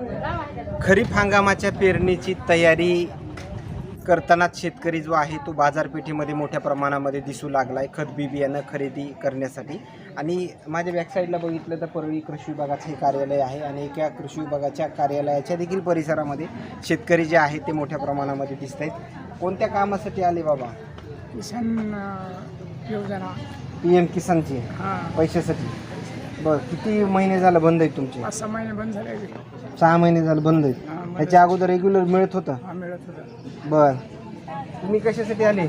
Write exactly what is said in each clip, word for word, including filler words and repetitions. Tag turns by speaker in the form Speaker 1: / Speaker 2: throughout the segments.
Speaker 1: खरीप हंगामाच्या पेरणीची तयारी करताना शेतकरी जो आहे तो बाजारपेठेमध्ये मोठ्या प्रमाणामध्ये दिसू लागला आहे खत बी बियाणं खरेदी करण्यासाठी. आणि माझ्या बॅकसाईडला बघितलं तर परळी कृषी विभागाचं हे कार्यालय आहे आणि एका कृषी विभागाच्या कार्यालयाच्या देखील परिसरामध्ये शेतकरी जे आहेत ते मोठ्या प्रमाणामध्ये दिसत आहेत. कोणत्या कामासाठी आले बाबा?
Speaker 2: किसान योजना.
Speaker 1: पी एम किसानची पैशासाठी. बरं, किती महिने झालं बंद आहे तुमचे?
Speaker 2: पाच सहा महिने बंद झाले.
Speaker 1: सहा महिने झालं बंद आहे. त्याच्या अगोदर रेग्युलर मिळत होतं?
Speaker 2: हा, मिळत होतं.
Speaker 1: बरं, तुम्ही कशासाठी आले?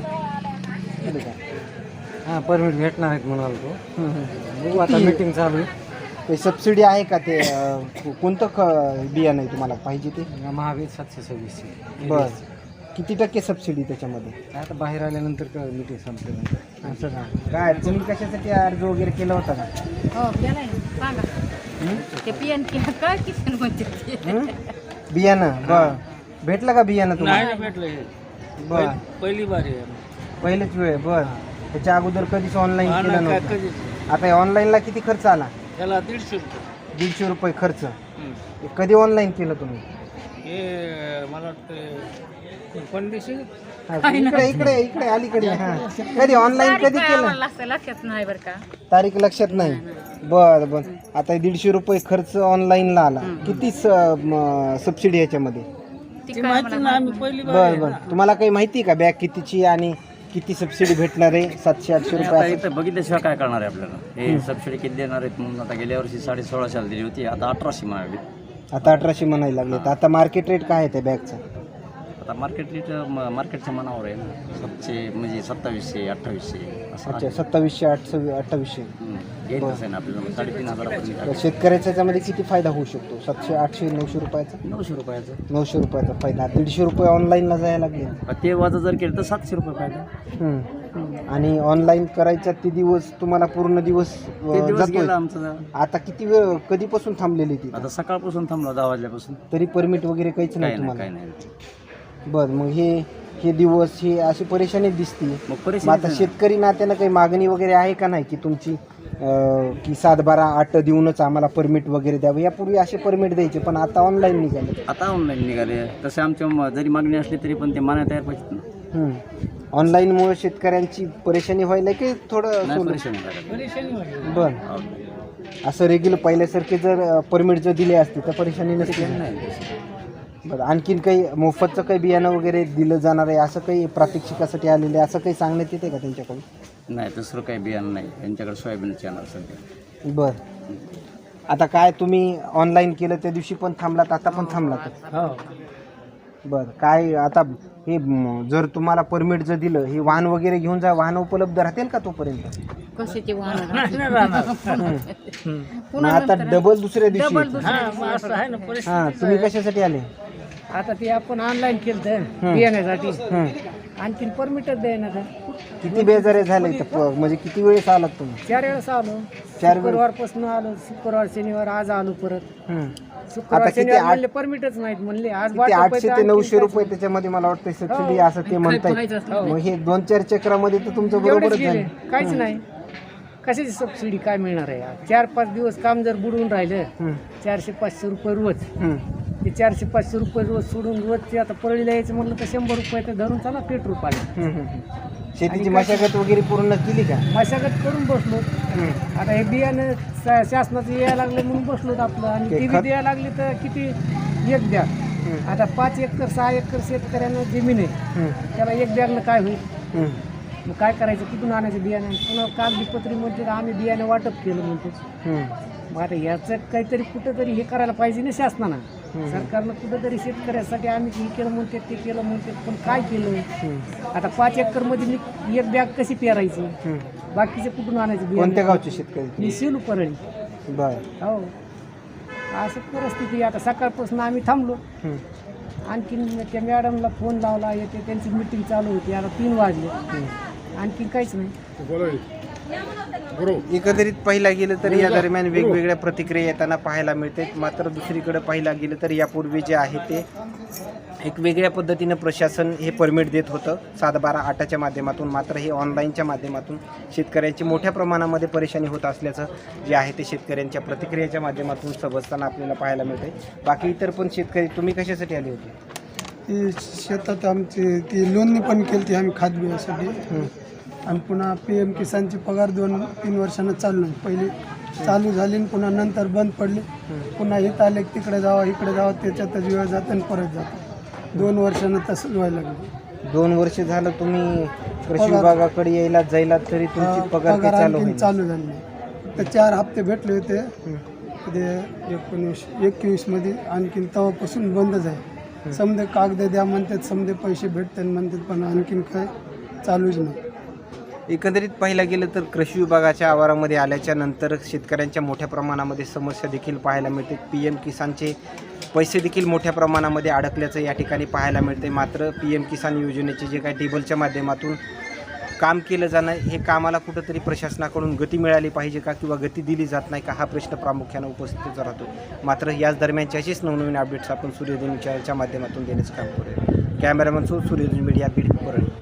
Speaker 3: हां, परमिट भेटणार आहेत म्हणाल तो. बघू आता मीटिंग चालू आहे.
Speaker 1: ते सबसिडी आहे का? ते अं, कोणतं ख बियाणं आहे तुम्हाला पाहिजे ते?
Speaker 3: महावीर सातशे सव्वीसशे.
Speaker 1: बरं, किती टक्के सबसिडी त्याच्यामध्ये?
Speaker 3: आता बाहेर आल्यानंतर का मीटिंग संपल्यानंतर असं का?
Speaker 1: काय तुम्ही कशासाठी अर्ज वगैरे केला होता का?
Speaker 4: हो केलाय सांगा. ते पियन काय किसन म्हणते ते.
Speaker 1: हं? बियाणं बरं भेटलं का बियाणं तुम्हाला?
Speaker 3: भेटलं.
Speaker 1: बरं,
Speaker 3: पहिली बारी
Speaker 1: पहिलेच वेळ. बरं, त्याच्या अगोदर कधीच ऑनलाईन केलं नव्हतं. आता ऑनलाईनला किती खर्च आला?
Speaker 3: त्याला दीडशे रुपये.
Speaker 1: दीडशे रुपये खर्च. हे कधी ऑनलाईन केलं तुम्ही?
Speaker 3: हे मला वाटतं कोण दिवशी
Speaker 1: हा, इकडे इकडे इकडे अलीकडे. हा, कधी ऑनलाईन कधी केलं?
Speaker 4: असं लक्षात नाही बरं का.
Speaker 1: तारीख लक्षात नाही. बर बर, आता दीडशे रुपये खर्च ऑनलाईनला आला. किती सबसिडी याच्यामध्ये?
Speaker 4: ती काय मला
Speaker 1: बर बर, तुम्हाला काही माहिती आहे का बॅग कितीची आणि किती सबसिडी भेटणार आहे? सातशे आठशे
Speaker 5: आता
Speaker 1: रुपये
Speaker 5: इथं बघितल्याशिवाय काय करणार आहे आपल्याला? हे सबसिडी किती देणार आहेत म्हणून आता गेल्या वर्षी साडे सोळाशेला दिली होती, आता अठराशे मागली.
Speaker 1: आता अठराशे म्हणायला लागले. तर आता मार्केट रेट काय आहे त्या बॅगचा?
Speaker 5: आता मार्केट रेट मार्केटच्या मनावर आहे ना. सातशे म्हणजे सत्तावीसशे अठ्ठावीसशे असं
Speaker 1: अच्छा, सत्तावीसशे आठशे अठ्ठावीसशे.
Speaker 5: घ्यायचं आहे ना आपल्याला साडेतीन हजारापर्यंत.
Speaker 1: तर शेतकऱ्याच्या याच्यामध्ये किती फायदा होऊ शकतो? सातशे आठशे नऊशे रुपयाचा?
Speaker 5: नऊशे रुपयाचं.
Speaker 1: नऊशे रुपयाचा फायदा. दीडशे रुपये ऑनलाईनला जायला लागले.
Speaker 5: ते वाजा जर केलं तर सातशे रुपये फायदा.
Speaker 1: हम्म. आणि ऑनलाईन करायचा ते दिवस तुम्हाला पूर्ण दिवस
Speaker 5: ते
Speaker 1: अं,
Speaker 5: दिवस
Speaker 1: जातोय.
Speaker 5: गेला आमचं.
Speaker 1: आता किती वेळ कधीपासून थांबलेली ती?
Speaker 5: आता सकाळपासून थांबलो दहा वाजल्यापासून.
Speaker 1: तरी परमिट वगैरे काहीच नाही
Speaker 5: काही नाही
Speaker 1: तुम्हाला?
Speaker 5: काही नाही.
Speaker 1: बरं, मग हे हे दिवस हे अशी परेशानी दिसते.
Speaker 5: मग
Speaker 1: मग
Speaker 5: परेशानी
Speaker 1: आता शेतकरी नात्यानं काही मागणी वगैरे आहे का नाही की तुमची अं, की सात बारा आठ देऊनच आम्हाला परमिट वगैरे द्यावं? यापूर्वी असे परमिट द्यायचे पण आता ऑनलाईन निघाले.
Speaker 5: आता ऑनलाईन निघाले. तसे आमच्या म- जरी मागणी असली तरी पण ते मानायला तयार पाहिजेत ना.
Speaker 1: ऑनलाईनमुळे शेतकऱ्यांची परेशानी व्हायला की थोडं
Speaker 5: नाही
Speaker 1: सोडून?
Speaker 5: परेशानी झाली.
Speaker 1: बरं, असं रेग्युलर पहिल्यासारखे जर परमिट जर दिले असते तर परेशानी नसते.
Speaker 5: नाही.
Speaker 1: बरं, आणखीन काही मोफतचं काही बियाणं वगैरे दिलं जाणार आहे असं काही प्रात्यक्षिकासाठी आलेलं आहे असं काही सांगण्यात येते का त्यांच्याकडून?
Speaker 5: नाही दुसरं काही बियाणं नाही त्यांच्याकडे. सोयाबीनचे येणार सध्या.
Speaker 1: बरं, आता काय तुम्ही ऑनलाईन केलं त्या दिवशी पण थांबलात, आता पण थांबलात? बरं, काय आता हे म, जर तुम्हाला परमिट जर दिलं हे वाहन वगैरे घेऊन जा, वाहन उपलब्ध राहतील का तोपर्यंत?
Speaker 4: कशाची वाहन
Speaker 1: मग आता डबल दुसऱ्या दिवशी
Speaker 4: डबल
Speaker 1: येतं.
Speaker 4: दुसऱ्या
Speaker 1: हां, तुम्ही कशासाठी आले?
Speaker 2: आता ते आपण ऑनलाईन केलं बियाण्यासाठी.
Speaker 1: हं.
Speaker 2: आणखीन परमिटच द्यायना तर.
Speaker 1: किती बेजारे झाले इथं? प- म्हणजे किती वेळेस आलात तुम्ही?
Speaker 2: चार वेळेस आलो.
Speaker 1: चार वेळेस?
Speaker 2: शुक्रवारपासून आलो. शुक्रवार शनिवार आज आलो परत.
Speaker 1: हं.
Speaker 2: शुक्रवार
Speaker 1: आता किती
Speaker 2: शनिवार
Speaker 1: आठ-
Speaker 2: म्हणले परमिटच नाहीत म्हणले. आज
Speaker 1: किती
Speaker 2: वाटप
Speaker 1: आठशे
Speaker 2: आहे
Speaker 1: ते
Speaker 2: तर
Speaker 1: नऊशे
Speaker 2: आणखीन
Speaker 1: रुपये त्याच्यामध्ये मला वाटतं सबसिडी
Speaker 2: हो.
Speaker 1: असं ते म्हणतायत. मग हे दोन चार चक्रामध्ये तर तुमचं
Speaker 2: एवढेच
Speaker 1: बरोबरच
Speaker 2: गेले.
Speaker 1: झालं.
Speaker 2: काहीच नाही. कशाची सबसिडी काय मिळणार आहे यार? चार पाच दिवस काम जर बुडवून राहिलं
Speaker 1: हं.
Speaker 2: चारशे पाचशे रुपये रोज.
Speaker 1: हं.
Speaker 2: ते चारशे पाचशे रुपये रोज सोडून रोज ते आता परळीला यायचं म्हणलं तर शंभर रुपये तर धरून चला पेट्रोल पाणी.
Speaker 1: हं, हं, हं. शेतीची मशागत वगैरे पूर्ण केली का?
Speaker 2: मशागत करून बसलो.
Speaker 1: हं.
Speaker 2: आता हे बियाणं शा- शासनाचं यायला लागलं म्हणून बसलो आपलं. आणि
Speaker 1: ते
Speaker 2: टी
Speaker 1: खत-
Speaker 2: व्ही द्यायला लागली तर किती एक बॅग. आता पाच एकर सहा एकर शेतकऱ्यांना जमीन आहे.
Speaker 1: हं.
Speaker 2: त्याला एक बॅगनं काय होईल?
Speaker 1: हं.
Speaker 2: मग काय करायचं? कुठून आणायचं बियाणं? पुन्हा कागदीपत्री म्हणते आम्ही बियाणं वाटप केलं म्हणतो.
Speaker 1: हं.
Speaker 2: मग आता याचं काहीतरी कुठंतरी हे करायला पाहिजे ना शासनानं. सरकारनं कुठंतरी शेतकऱ्यासाठी आम्ही हे केलं म्हणते ते केलं म्हणते पण काय केलं? आता पाच एकरमध्ये मी एक बॅग कशी पेरायची?
Speaker 1: हं.
Speaker 2: बाकीचे कुठून आणायचं
Speaker 1: कोणत्या
Speaker 2: बियाणं?
Speaker 1: गावचे शेतकरी?
Speaker 2: मी शेलू परळी.
Speaker 1: बर.
Speaker 2: हो, असं परिस्थिती. आता सकाळपासून आम्ही थांबलो.
Speaker 1: हं.
Speaker 2: आणखीन त्या मॅडमला फोन लावला येते त्यांची मीटिंग चालू होती. आता तीन वाजले. आणखीन काहीच नाही.
Speaker 1: एकंदरीत पाहिला गेलं तर या दरम्यान वेगवेगळ्या प्रतिक्रिया येताना पाहायला मिळते. मात्र दुसरीकडे पाहिला गेलं तर यापूर्वी जे आहे ते एक वेगळ्या पद्धतीनं प्रशासन हे परमिट देत होतं सात बारा आठाच्या माध्यमातून. मात्र हे ऑनलाईनच्या माध्यमातून शेतकऱ्यांची मोठ्या प्रमाणामध्ये परेशानी होत असल्याचं जे आहे ते शेतकऱ्यांच्या प्रतिक्रियेच्या माध्यमातून समजताना आपल्याला पाहायला मिळते. बाकी इतर पण शेतकरी, तुम्ही कशासाठी आले होते?
Speaker 6: ती शेतात आमची ती नोंदणी पण केली ती आम्ही खात बियासाठी. आणि पुन्हा पी एम किसानची पगार दोन तीन वर्षानं चालू नाही. पहिली चालू झाली आणि पुन्हा नंतर बंद पडली. पुन्हा इथं आले की तिकडे जावा इकडे जावं, त्याच्यातच वेळ जातं आणि परत जातं. दोन वर्षानं तसंच व्हायला लागलं.
Speaker 1: दोन वर्ष झालं तुम्ही कृषी विभागाकडे यायला जायला तरी तुमची पगार काही चालू
Speaker 6: आणखीन
Speaker 1: होईल.
Speaker 6: चालू झाली नाही. फक्त चार हप्ते भेटले होते ते एकोणीस एकवीसमध्ये. आणखीन तेव्हापासून बंदच आहे. समजे कागद द्या म्हणतात, समजे पैसे भेटतात म्हणतात, पण आणखीन काय चालूच नाही.
Speaker 1: एकंदरीत पाहिलं गेलं तर कृषी विभागाच्या आवारामध्ये आल्याच्या नंतर शेतकऱ्यांच्या मोठ्या प्रमाणामध्ये समस्या देखील पाहायला मिळते. पी एम किसानचे पैसे देखील मोठ्या प्रमाणामध्ये अडकल्याचं या ठिकाणी पाहायला मिळते. मात्र पी एम किसान योजनेचे जे काही टेबलच्या माध्यमातून काम केलं जाणं, हे कामाला कुठंतरी प्रशासनाकडून गती मिळाली पाहिजे का किंवा गती दिली जात नाही का, हा प्रश्न प्रामुख्यानं उपस्थित राहतो. मात्र याच दरम्यानचे असेच नवनवीन अपडेट्स आपण सूर्यधन विचाराच्या माध्यमातून देण्याचं काम करूया. Cameraman so Suryadhan media Beed Parli.